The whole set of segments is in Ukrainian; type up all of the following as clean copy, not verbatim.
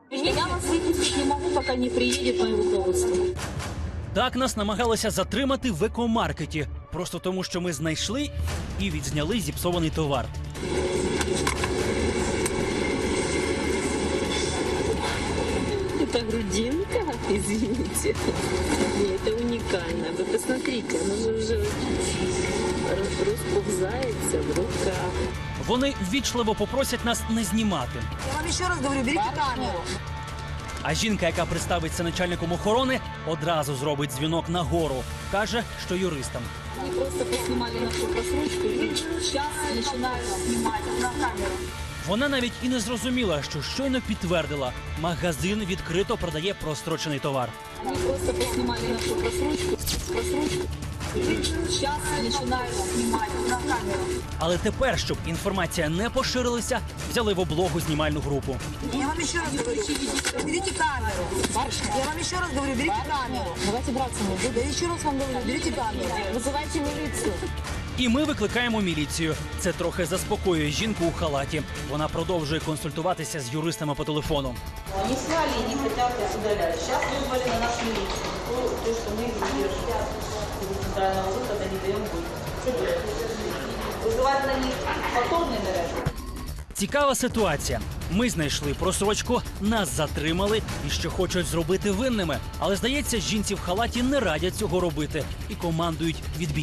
Я вас выпустить не могу, пока не приедет мое руководство. Так нас намагалися затримати в екомаркеті. Просто тому, що ми знайшли і відзняли зіпсований товар. Это грудинка, извините. Нет, это уникально. Вы посмотрите, она же уже расползается в руках. Вони ввічливо попросять нас не знімати. Я вам еще раз говорю, берите камеру. А жінка, яка представиться начальником охорони, одразу зробить дзвінок нагору. Каже, що юристам. Они просто поснимали нашу просрочку и сейчас начинают снимать на камеру. Вона навіть і не зрозуміла, що щойно підтвердила. Магазин відкрито продає прострочений товар. Они просто поснимали нашу просрочку и сейчас начинают снимать на камеру. Але тепер, щоб інформація не поширилася, взяли в облогу знімальну групу. Я вам еще раз говорю, берите камеру. Я вам еще раз говорю, берите камеру. Давайте браться не буду. Я еще раз вам говорю, берите камеру. Вызывайте милицию. І ми викликаємо міліцію. Це трохи заспокоює жінку у халаті. Вона продовжує консультуватися з юристами по телефону. Они сняли и не хотят их удалять. Сейчас вызвали на нашу милицию. То, что мы их задерживаем. Из центрального выхода не даем выйти. Вызывать на них повторный наряд. Цікава ситуація. Ми знайшли просрочку, нас затримали і ще хочуть зробити винними. Але, здається, жінці в халаті не радять цього робити і командують відбій.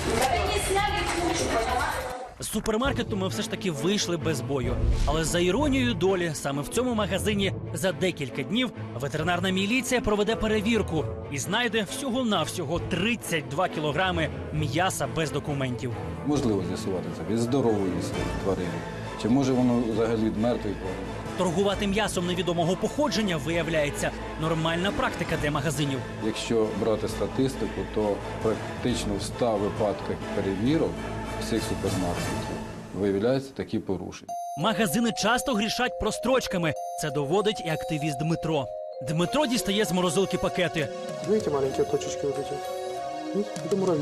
З супермаркету ми все ж таки вийшли без бою. Але за іронією долі, саме в цьому магазині за декілька днів ветеринарна міліція проведе перевірку і знайде всього-навсього 32 кілограми м'яса без документів. Можливо з'ясувати це від здорової тварини. Чи може воно взагалі від мертвої тварини? Торгувати м'ясом невідомого походження, виявляється, нормальна практика для магазинів. Якщо брати статистику, то практично в 100 випадках перевірок всіх супермаркетів виявляються такі порушення. Магазини часто грішать прострочками. Це доводить і активіст Дмитро. Дмитро дістає з морозилки пакети. Видите маленькие точечки вот эти? Видите? Это муравьи.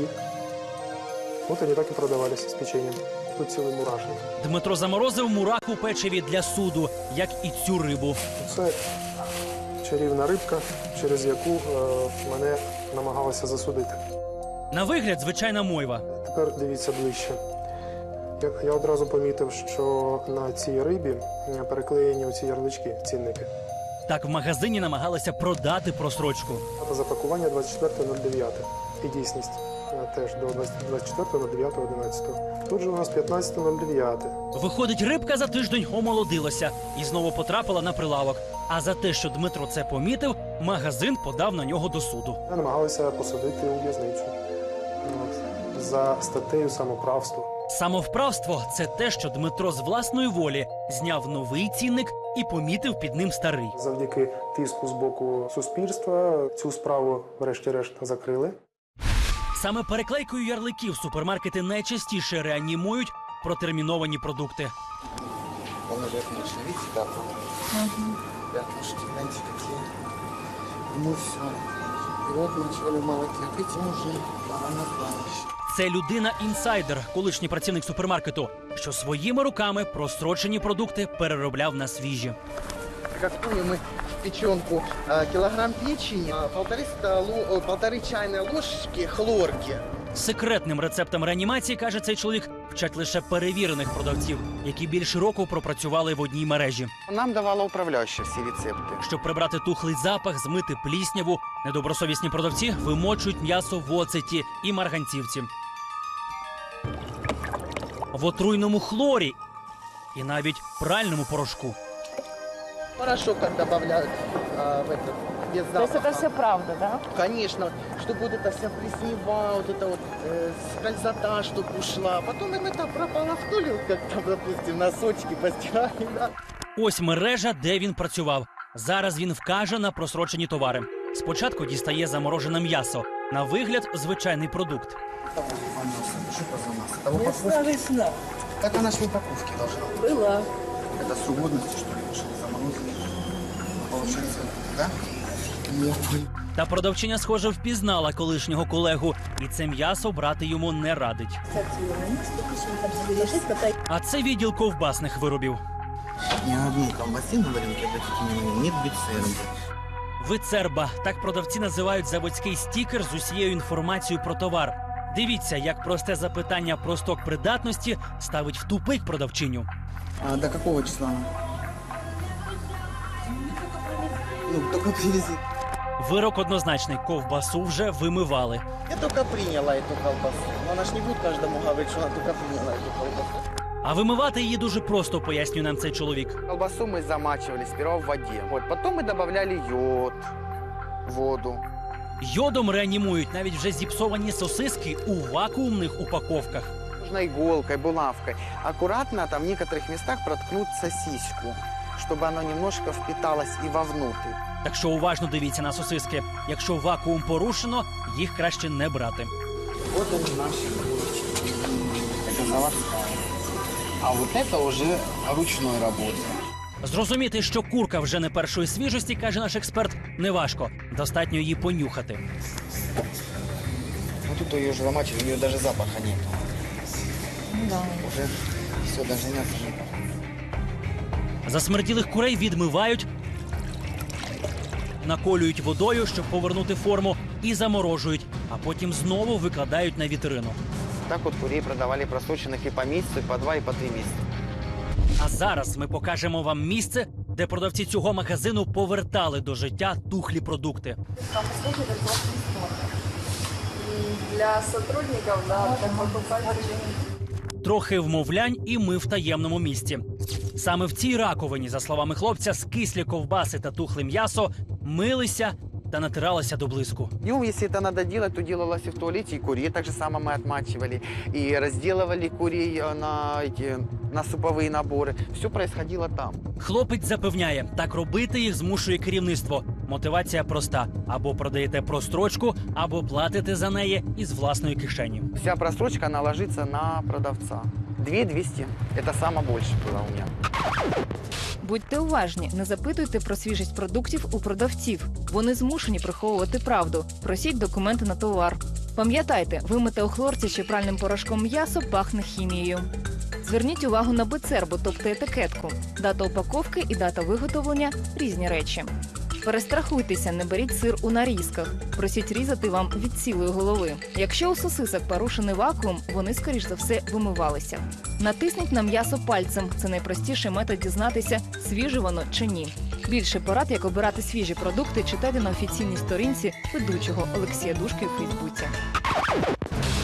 Вот они так и продавались с печеньем. Тут целый мурашник. Дмитро заморозив мурах у печиві для суду, як і цю рибу. Це чарівна рибка, через яку мене намагалися засудити. На вигляд звичайна мойва. Тепер дивіться ближче. Я одразу помітив, що на цій рибі переклеєні оці ярлички, цінники. Так в магазині намагалися продати просрочку. Дата запакування 24.09. І дійсність теж до 24.09.11. Тут же у нас 15.09. Виходить, рибка за тиждень омолодилася і знову потрапила на прилавок. А за те, що Дмитро це помітив, магазин подав на нього до суду. Намагалися посадити у в'язницю за статтею самоправство. Самовправство – це те, що Дмитро з власної волі зняв новий цінник і помітив під ним старий. Завдяки тиску з боку суспільства цю справу врешті-решт закрили. Саме переклейкою ярликів супермаркети найчастіше реанімують протерміновані продукти. Пятнышки, видите, дату? Пятнышки, знаете, какие? Ну все. И вот вначале в молоке, видите, уже пора на кладбище. Це людина-інсайдер, колишній працівник супермаркету, що своїми руками прострочені продукти переробляв на свіжі. Как помню, мы печенку, килограмм печени, полторы чайные ложечки хлорки. Секретним рецептом реанімації, каже цей чоловік, вчать лише перевірених продавців, які більше року пропрацювали в одній мережі. Нам давала управляющая все рецепты. Щоб прибрати тухлий запах, змити плісняву, недобросовісні продавці вимочують м'ясо в оцеті і марганцівці. В отруйному хлорі і навіть пральному порошку. Порошок как добавляют в этот, без запаха. То есть это все правда, да? Конечно, чтобы вот эта вся плеснева, вот эта вот скользота, чтобы ушла. Потом им это пропало в толе, как там, допустим, носочки постирали, да. Ось мережа, де він працював. Зараз він вкаже на просрочені товари. Спочатку дістає заморожене м'ясо. На вигляд – звичайний продукт. Так она же в упаковке должна быть. Была. Это с годностью, что ли, решили заморозить? Получается, да? Нет. Та продавчиня, схоже, впізнала колишнього колегу. І це м'ясо брати йому не радить. А це відділ ковбасних виробів. Ни одной колбасы на рынке, обратите внимание, нет бицербы. Вицерба – так продавці називають заводський стікер з усією інформацією про товар. Дивіться, як просте запитання про сток придатності ставить в тупик продавчиню. А до какого числа? Ну, только привезли. Вирок однозначний – ковбасу вже вимивали. Я только приняла эту колбасу. Но она ж не будет каждому говорить, что она только приняла эту колбасу. А вимивати її дуже просто, пояснює нам цей чоловік. Колбасу мы замачивали сперва в воде. Вот, потом мы добавляли йод, воду. Йодом реанімують навіть вже зіпсовані сосиски у вакуумних упаковках. Нужно иголкой, булавкой. Аккуратно там в некоторых местах проткнуть сосиску, чтобы оно немножко впиталось и вовнутрь. Так що уважно дивіться на сосиски. Якщо вакуум порушено, їх краще не брати. Вот они наши булочки. Это заводская. А вот это уже ручной работы. Зрозуміти, що курка вже не першої свіжості, каже наш експерт, неважко. Достатньо її понюхати. Ну тут ее уже замачивали, у нее даже запаха нет. Да. Уже все, даже мясо не пахнет. Засмерділих курей відмивають, наколюють водою, щоб повернути форму, і заморожують, а потім знову викладають на вітрину. Так вот курей продавали просроченных и по месяцу, и по 2, и по 3 месяца. А зараз ми покажемо вам місце, де продавці цього магазину повертали до життя тухлі продукти. Там услуги это классный спорт. И для сотрудников, да, для покупателей. Трохи вмовлянь, і ми в таємному місці. Саме в цій раковині, за словами хлопця, скислі ковбаси та тухле м'ясо милися та натиралися до блиску. Ну, если это надо делать, то делалось и в туалете, и курей так же само мы отмачивали, и разделывали курей на суповые наборы. Все происходило там. Хлопець запевняє, так робити їх змушує керівництво. Мотивація проста. Або продаєте прострочку, або платите за неї із власної кишені. Вся просрочка, она ложится на продавца. 2200. Это самое больше было у меня. Будьте уважні, не запитуйте про свіжість продуктів у продавців. Вони змушені приховувати правду. Просіть документи на товар. Пам'ятайте, вимите у хлорці чи пральним порошком м'ясо пахне хімією. Зверніть увагу на бицербу, тобто етикетку. Дата упаковки і дата виготовлення – різні речі. Перестрахуйтеся, не беріть сир у нарізках. Просіть різати вам від цілої голови. Якщо у сосисок порушений вакуум, вони, скоріш за все, вимивалися. Натисніть на м'ясо пальцем. Це найпростіший метод дізнатися, свіже воно чи ні. Більше порад, як обирати свіжі продукти, читайте на офіційній сторінці ведучого Олексія Душки у Фейсбуці.